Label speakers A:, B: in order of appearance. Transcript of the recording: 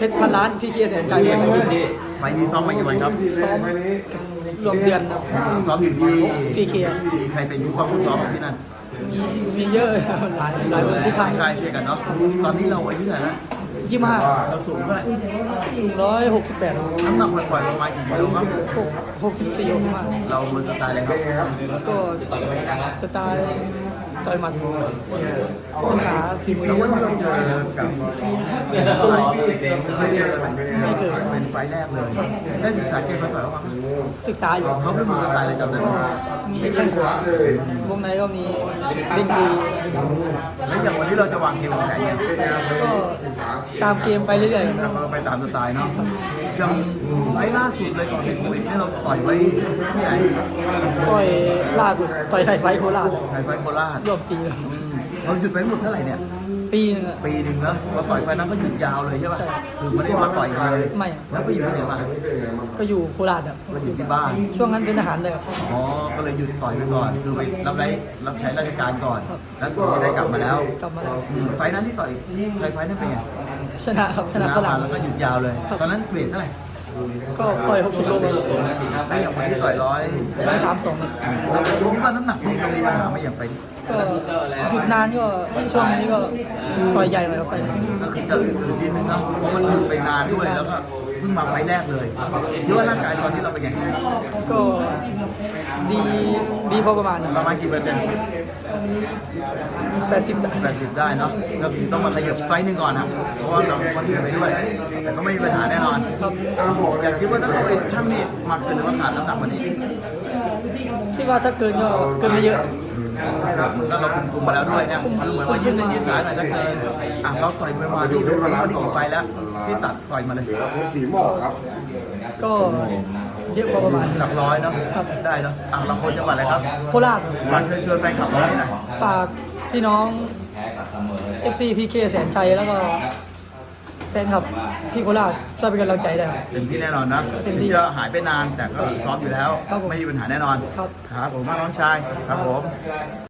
A: ชรพันล้านพี่เคียร์แสนใจครับ
B: ไฟล์นี้ซ้อมมากี่วันครับ
A: ซ้อมรวมเดือนครับ
B: ซ้อมอยู่ที่
A: พี่เคียร์
B: มีใครเป็นผู้ป้องผู้ซ้อมที่นั่น
A: มีเยอะครับหลายคนที่ทาง
B: ใช่ช่วยกันเนาะตอนนี้เราอายุเท่าไหร่แล้ว
A: 25
B: เราสูงเท่าไหร่
A: สูง168
B: น้ำหนักปล่อยๆประมาณกี่กิโลครับ
A: 64 65
B: เรามันสไตล์อะไรครับ
A: ก็สไตล์ต่อยหมัดปัญหาฝีมือ
B: แล้ววันนี้เราเจอกับอะไรเคยเจอกันไหม
A: ไม่เคย
B: เป็นไฟล์แรกเลยได้ศึกษาเกมมาต่อยบ้างไหม
A: ศึกษาอยู่
B: เขาไม่มีสไตล์อะไรจำได้ไหม
A: มีแข้งขวาวงในก็มีเล่นดี
B: แล้วอย่างวันนี้เราจะวางเกมวางแผนยัง
A: ก็ตามเกมไปเรื่อยๆ
B: เราก็ไปตามสไตล์เนาะยังไฟล์ล่าสุดเลยก่อนในโควิดเนี่ยเราต่อยไว้ที่ไหน
A: ต่อยล่าสุดต่อยไทยไฟท์โคราช
B: ไทยไฟท์โคราช
A: รวมปีแล้ว
B: เราหยุดไปหมดเท่าไหร่เนี่ย
A: ปีนึงอะ
B: ปีหนึ่งแล้วเราต่อยไฟล์นั้นก็หยุดยาวเลยใช่ป่ะ
A: ใช่
B: คือไม่ได้มาต่อยเลย
A: ไม่
B: แล้วไปอยู่ที่ไหนมา
A: ก็อยู่โคราชอะ
B: ก็อยู่ที่บ้าน
A: ช่วงนั้นเป็นทหารเลยครับ
B: อ๋อก็เลยหยุดต่อยไปก่อนคือไปรับใช้ราชการก่อนแล้วก็ได้กลับมาแล้ว
A: กลับมาแล้ว
B: ไฟล์นั้นที่ต่อยไฟล์นั้นเป็นไง
A: ชนะครับชนะฝ
B: มา
A: รั่ง
B: แล้วก็หยุดยาวเลย ตอนนั้นเวทเท่าไหร่
A: ก็ต่อย60 โลครับ
B: แล้วอย่างวันนี้ต่อยร้อย
A: 132ครับ
B: เราคิดว่าน้ำหนักนี่เรามีปัญหาไหมอย่างไฟล์นี้
A: ก็หยุดนานก็ช่วงนี้ก็ต่อยใหญ่หน่อยครับไฟล์
B: ก็คือจะอื่นๆนิดนึงเนาะเพราะมันหยุดไปนานด้วยแล้วก็เพิ่งมาไฟล์แรกเลยคิดว่าร่างกายตอนที่เราเป็นไง
A: ก็ดีพอประมาณ
B: ประมาณกี่เปอร์เซ็นต์
A: 80
B: 80ได้เนาะก็คือต้องมาขยับไฟล์หนึ่งก่อนนะเพราะว่าเราคนอื่นไปด้วยแต่ก็ไม่มีปัญหาแน่นอน
A: ครับ
B: อยากคิดว่าถ้าเขาเป็นช่างนี่มาเกินหรือว่าขาดน้ำหนักวันนี้
A: คิดว่าถ้าเกินก็เกินไม่เยอะ
B: ครับเหมือนกับเราคุมมาแล้วด้วยเนี่ยคือเหมือนว่ายืดเส้นยืดสายหน่อยถ้าเกินเราต่อยไปมาดีเป็นวันนี้กี่ไฟล์แล้วที่ตัดต่อยมาเลย
C: สีหมอกครับ
A: ก็เยอะพอประมาณ
B: หลักร้อยเนาะ
A: ครับ
B: ได้เนาะเราคนจังหวัดอะไรครับ
A: โคราช
B: ฝากเชิญชวนแฟนคลับเราหน่อย
A: ฝากพี่น้อง FC PK แสนชัยแล้วก็แฟนคลับที่โคราชช่วยเป็นกำลังใจได้ครับ
B: เต็มที่แน่นอนนะ
A: เต็ม
B: ถึ
A: ที่
B: งจะหายไปนานแต่ก็ซ้อมอยู่แล้ว
A: ครับผม
B: ไม่มีปัญหาแน่นอน
A: ครับ
B: ครับผมมากน้องชายครับผม